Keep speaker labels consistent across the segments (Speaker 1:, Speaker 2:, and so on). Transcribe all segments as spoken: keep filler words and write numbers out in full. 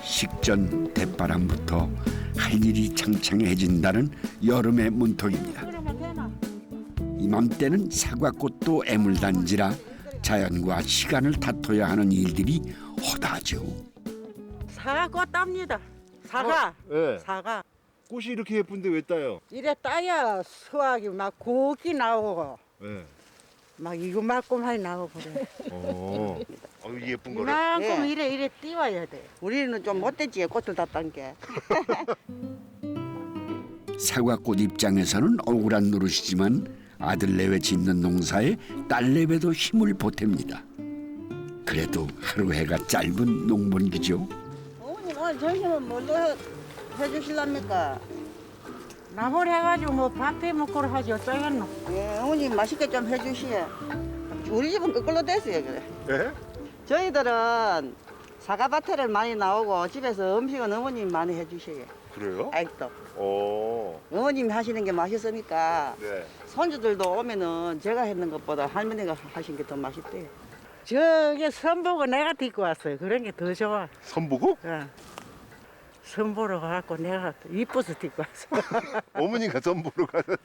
Speaker 1: 식전 대바람부터 할 일이 창창해진다는 여름의 문턱입니다. 이맘때는 사과꽃도 애물단지라 자연과 시간을 다퉈야 하는 일들이 허다하죠.
Speaker 2: 사과꽃 땁니다. 사과.
Speaker 3: 어? 네.
Speaker 2: 사과.
Speaker 3: 꽃이 이렇게 예쁜데 왜 따요?
Speaker 2: 이래 따야 수확이 막 고기 나오고
Speaker 3: 네.
Speaker 2: 막 이거만큼만 나오고 그래.
Speaker 3: 어. 어유 예쁜 거를.
Speaker 2: 이만큼
Speaker 4: 예.
Speaker 2: 이래 이래 띄워야 돼.
Speaker 4: 우리는 좀 못됐지 꽃을 다 딴 게.
Speaker 1: 사과꽃 입장에서는 억울한 노릇이지만 아들 내외 짓는 농사에 딸 내외도 힘을 보탭니다. 그래도 하루 해가 짧은 농번기죠.
Speaker 4: 어머님 오늘 점심은 뭘로 해, 해주실랍니까?
Speaker 2: 나물 해가지고 뭐 밥해 먹고를 하지 어쩌겠노.
Speaker 4: 예, 어머님 맛있게 좀 해주시오. 우리 집은 거꾸로 됐어요 그래.
Speaker 3: 예?
Speaker 4: 저희들은 사과밭에를 많이 나오고 집에서 음식은 어머님 많이 해주셔요.
Speaker 3: 그래요?
Speaker 4: 아직도
Speaker 3: 어.
Speaker 4: 어머님이 하시는 게 맛있으니까
Speaker 3: 네.
Speaker 4: 손주들도 오면은 제가 했는 것보다 할머니가 하신 게 더 맛있대요.
Speaker 2: 저게 선보고 내가 데리고 왔어요. 그런 게 더 좋아.
Speaker 3: 선보고?
Speaker 2: 어. 선보러 가갖고 내가 이뻐서 데리고 왔어.
Speaker 3: 어머니가 선보러 가서.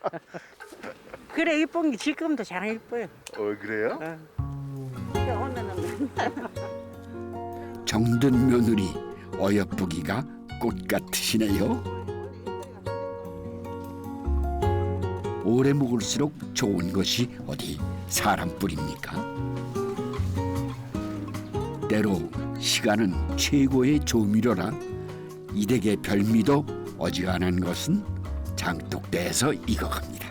Speaker 2: 그래 이쁜 게 지금도 잘 이뻐요.
Speaker 3: 어 그래요?
Speaker 2: 어.
Speaker 4: 오면은
Speaker 1: 정든 며느리 어여쁘기가 꽃 같으시네요. 오래 묵을수록 좋은 것이 어디 사람뿐입니까? 때로 시간은 최고의 조미료라 이 댁의 별미도 어지간한 것은 장독대에서 익어갑니다.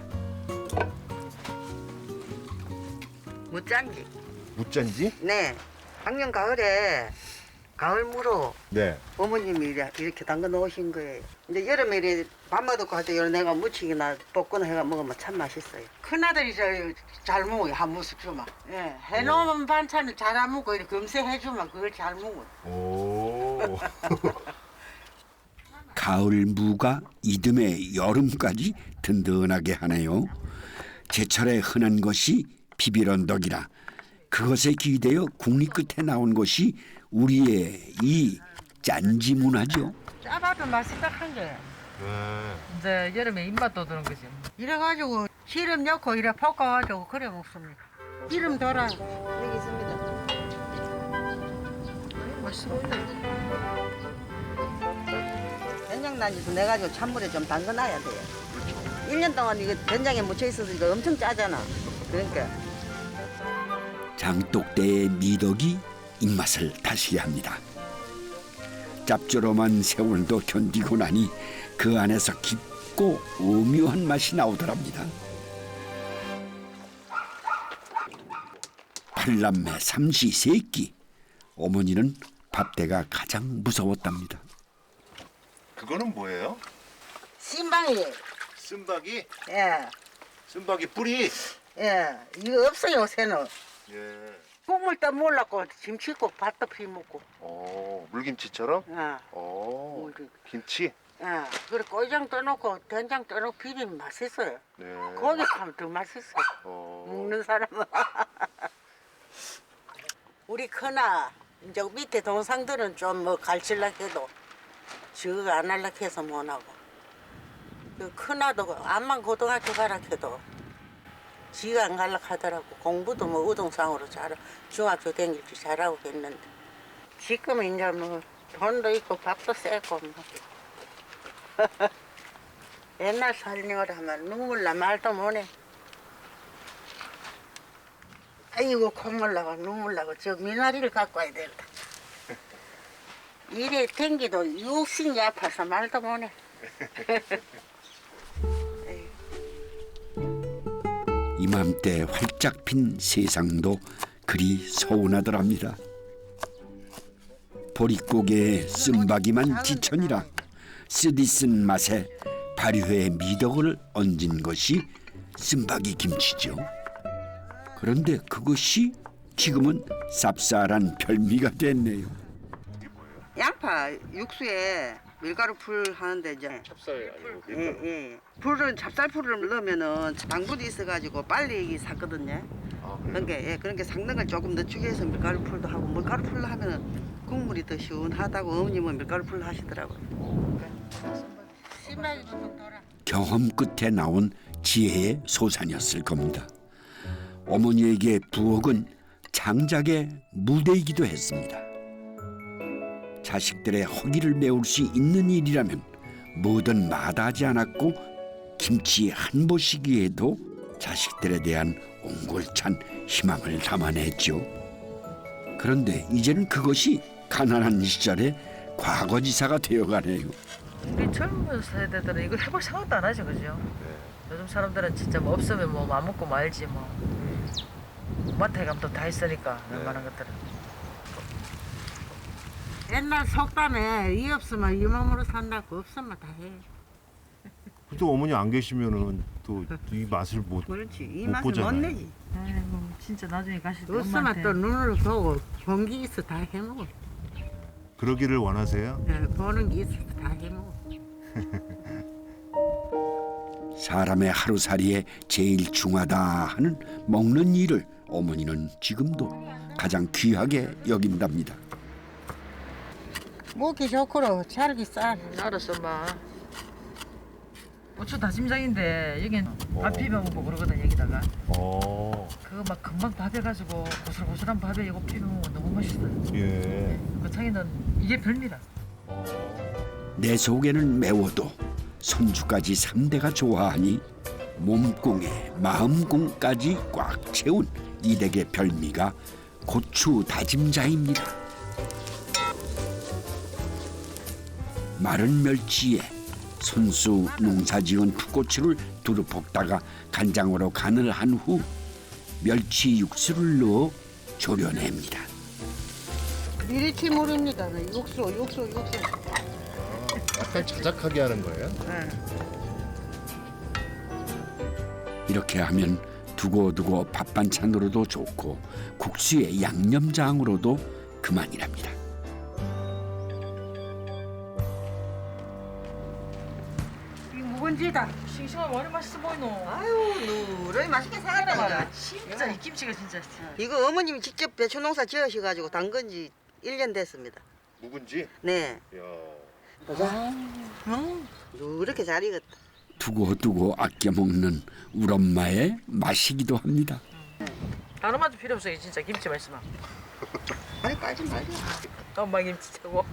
Speaker 4: 무짠지.
Speaker 3: 무짠지?
Speaker 4: 네. 작년 가을에 가을무로
Speaker 3: 네.
Speaker 4: 어머님이 이래- 이렇게 담가 놓으신 거예요. 이제 여름에 이래 밥맛 없고 할 때 내가 무치기나 볶거나 해가 먹으면 참 맛있어요.
Speaker 2: 큰아들이 저 잘 먹어요. 한 모습 주면. 예, 해놓은 반찬을 잘 안 먹고 이렇게 금세 해주면 그걸 잘 먹어요.
Speaker 3: 오.
Speaker 1: 가을 무가 이듬해 여름까지 든든하게 하네요. 제철에 흔한 것이 비빌언덕이라 그것에 기대어 국리 끝에 나온 것이 우리의 이 짠지 문화죠.
Speaker 2: 짜봐도 맛있다 한 게.
Speaker 3: 네.
Speaker 2: 이제 여름에 입맛도 드는 거지. 이래가지고 기름 넣고 이래 볶아가지고 그래 먹습니다. 기름 덜어.
Speaker 4: 여기 있습니다.
Speaker 2: 맛있어 보이네.
Speaker 4: 된장난지도 내가지고 찬물에 좀 담가놔야 돼요. 일 년 동안 이거 된장에 묻혀 있어서 이거 엄청 짜잖아. 그러니까
Speaker 1: 장독대의 미덕이 입맛을 다시게 합니다. 짭조름한 세월도 견디고 나니 그 안에서 깊고 오묘한 맛이 나오더랍니다. 팔남매 삼시 세끼 어머니는 밥대가 가장 무서웠답니다.
Speaker 3: 그거는 뭐예요?
Speaker 2: 신방이.
Speaker 3: 쓴박이?
Speaker 2: 예,
Speaker 3: 쓴박이 뿌리.
Speaker 2: 예. 이거 없어요 요새는.
Speaker 3: 예.
Speaker 2: 국물 도 몰랐고 김치국 밥도 피 먹고.
Speaker 3: 어 물김치처럼?
Speaker 2: 예.
Speaker 3: 어
Speaker 2: 우리-
Speaker 3: 김치.
Speaker 2: 예. 그래 고장 떠놓고 된장 떠놓고 비비면 맛있어요.
Speaker 3: 네.
Speaker 2: 고기 하면 더 맛있어.
Speaker 3: 어.
Speaker 2: 먹는 사람은. 우리 큰아 이제 밑에 동상들은 좀 뭐 갈칠락 해도 저거 안 할락 해서 못하고 그 큰아도 암만 고등학교 가라 해도 지가 안 갈락 하더라고. 공부도 뭐 우등상으로 잘 중학교 다닐 줄 잘하고 했는데 지금은 이제 뭐 돈도 있고 밥도 세고 뭐. 옛날 살림을 하면 눈물 나 말도 못해. 아이고 콧물 나고 눈물 나고 저 미나리를 갖고 와야 된다. 이래 댕기도 육신이 아파서 말도 못해.
Speaker 1: 이맘때 활짝 핀 세상도 그리 서운하더랍니다. 보릿고개에 쓴박이만 지천이라 쓰디쓴 맛에 발효의 미덕을 얹은 것이 쓴박이 김치죠. 그런데 그것이 지금은 쌉쌀한 별미가 됐네요.
Speaker 4: 양파 육수에 밀가루 풀 하는데 이제
Speaker 3: 찹쌀 아니고
Speaker 4: 예, 예. 풀을 찹쌀풀을 넣으면은 당분이 있어가지고 빨리 삭거든요.
Speaker 3: 아,
Speaker 4: 그런 게 예, 그런 게 삭는 걸 조금 늦추기 위해서 밀가루 풀도 하고 밀가루 풀로 하면은 국물이 더 시원하다고 어머님은 밀가루 풀 하시더라고요.
Speaker 2: 심하게 좀 돌아.
Speaker 1: 경험 끝에 나온 지혜의 소산이었을 겁니다. 어머니에게 부엌은 장작의 무대이기도 했습니다. 자식들의 허기를 메울 수 있는 일이라면 뭐든 마다하지 않았고 김치 한 보시기에도 자식들에 대한 옹골찬 희망을 담아냈죠. 그런데 이제는 그것이 가난한 시절의 과거지사가 되어가네요.
Speaker 5: 우리 젊은 세대들은 이걸 해볼 생각도 안 하죠, 그죠? 요즘 사람들은 진짜 뭐 없으면 뭐 맘 먹고 말지 뭐. 마트에 가면 또 다 있으니까 웬만한 것들은.
Speaker 2: 옛날 속담에 이 없으면 이 몸으로 산다고 없으면 다 해.
Speaker 3: 또 어머니 안 계시면은 또 이 맛을 못
Speaker 4: 그렇지. 이
Speaker 3: 못
Speaker 4: 맛을 못
Speaker 3: 보잖아요.
Speaker 4: 내지.
Speaker 5: 아이고 진짜 나중에 가실 때
Speaker 2: 없으면
Speaker 5: 엄마한테
Speaker 2: 또 눈으로 보고 본 게 있어 다 해먹어.
Speaker 3: 그러기를 원하세요?
Speaker 2: 네, 보는 게 있어 다 해먹어.
Speaker 1: 사람의 하루살이에 제일 중하다 하는 먹는 일을 어머니는 지금도 가장 귀하게 여긴답니다.
Speaker 2: 먹기 좋고로 자르기 쌀.
Speaker 5: 음, 알았어 엄마. 고추 다짐장인데 여긴 밥 비벼 먹고 그러거든 여기다가.
Speaker 3: 어.
Speaker 5: 그거 막 금방 밥해가지고 고슬고슬한 밥에 이거 비벼 먹으면 너무 맛있어요.
Speaker 3: 예.
Speaker 5: 그 창이는 이게 별미다.
Speaker 1: 내 속에는 매워도 손주까지 삼 대가 좋아하니 몸공에 마음공까지 꽉 채운 이 댁의 별미가 고추 다짐자입니다. 마른 멸치에 손수 농사지은 풋고추를 두루 볶다가 간장으로 간을 한 후 멸치 육수를 넣어 졸여냅니다.
Speaker 2: 미리치물입니다. 육수, 육수, 육수.
Speaker 3: 약간 자작하게 하는 거예요?
Speaker 4: 네.
Speaker 1: 이렇게 하면 두고두고 밥 반찬으로도 좋고 국수에 양념장으로도 그만이랍니다.
Speaker 2: 이 묵은지다.
Speaker 5: 싱싱하고 얼마나 맛있어 보이노.
Speaker 4: 아유 누런 맛있게 사갔단 말이야.
Speaker 5: 진짜 이 김치가 진짜.
Speaker 4: 이거 어머님이 직접 배추 농사 지으셔가지고 담근 지 일 년 됐습니다.
Speaker 3: 묵은지?
Speaker 4: 네.
Speaker 3: 야.
Speaker 4: 보자. 음, 이렇게 잘 익었다.
Speaker 1: 두고두고 아껴 먹는 우리 엄마의 맛이기도 합니다.
Speaker 5: 다른 맛도 필요 없어 진짜 김치 맛있으면.
Speaker 4: 아니 빠지 말지.
Speaker 5: 엄마 김치 최고.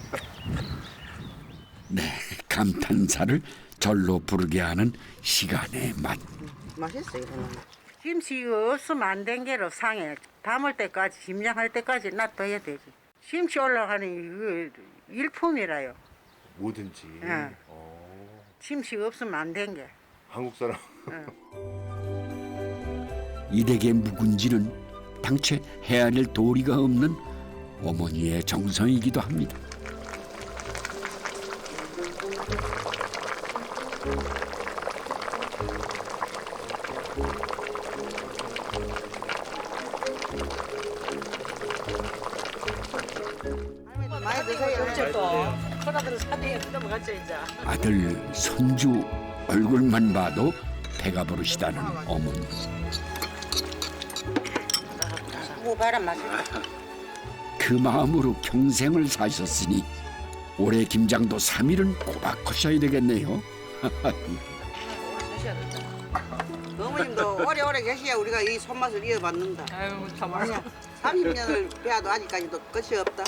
Speaker 1: 네, 감탄사를 절로 부르게 하는 시간의 맛.
Speaker 4: 맛있어 이거는.
Speaker 2: 김치 이거 없으면 안 된 게로 상해. 담을 때까지, 김장할 때까지 놔둬야 되지. 김치 올라가는 이거 일품이라요.
Speaker 3: 뭐든지.
Speaker 2: 응.
Speaker 3: 어.
Speaker 2: 김치가 없으면 안 된 게.
Speaker 3: 한국 사람.
Speaker 1: 이 댁의 묵은지는 당최 헤아릴 도리가 없는 어머니의 정성이기도 합니다.
Speaker 4: 많이 드세요.
Speaker 5: 이제 또 큰아들은 사대에 넘어갔죠 이제.
Speaker 1: 아들, 손주 얼굴만 봐도 배가 부르시다는 어머니.
Speaker 2: 무바람 맛있다.
Speaker 1: 그 마음으로 평생을 사셨으니 올해 김장도 삼 일은 꼬박 하셔야 되겠네요.
Speaker 4: 어머님도 오래오래 계셔야 우리가 이 손맛을 이어받는다.
Speaker 5: 아유 참 맛있어.
Speaker 4: 삼십 년을 배워도 아직까지도 끝이 없다.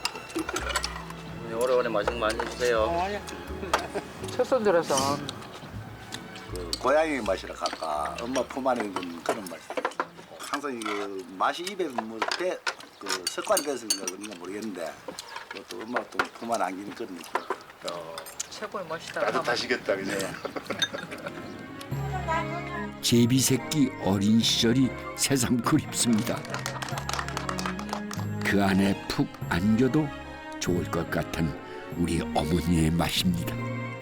Speaker 6: 오래오래 맛있는 거 많이 해주세요.
Speaker 5: 첫 손들어서.
Speaker 7: 그 고양이 맛이라 할까 엄마 품 안에 있는 그런 맛. 항상 이게 맛이 입에 뭐그 습관이 됐으니까 그런가 모르겠는데 그것도 엄마 또 품 안에 안기는 그런 느낌.
Speaker 5: 최고의 맛이다.
Speaker 3: 따뜻하시겠다 그죠?
Speaker 1: 제비새끼 어린 시절이 새삼 그립습니다. 그 안에 푹 안겨도 좋을 것 같은 우리 어머니의 맛입니다.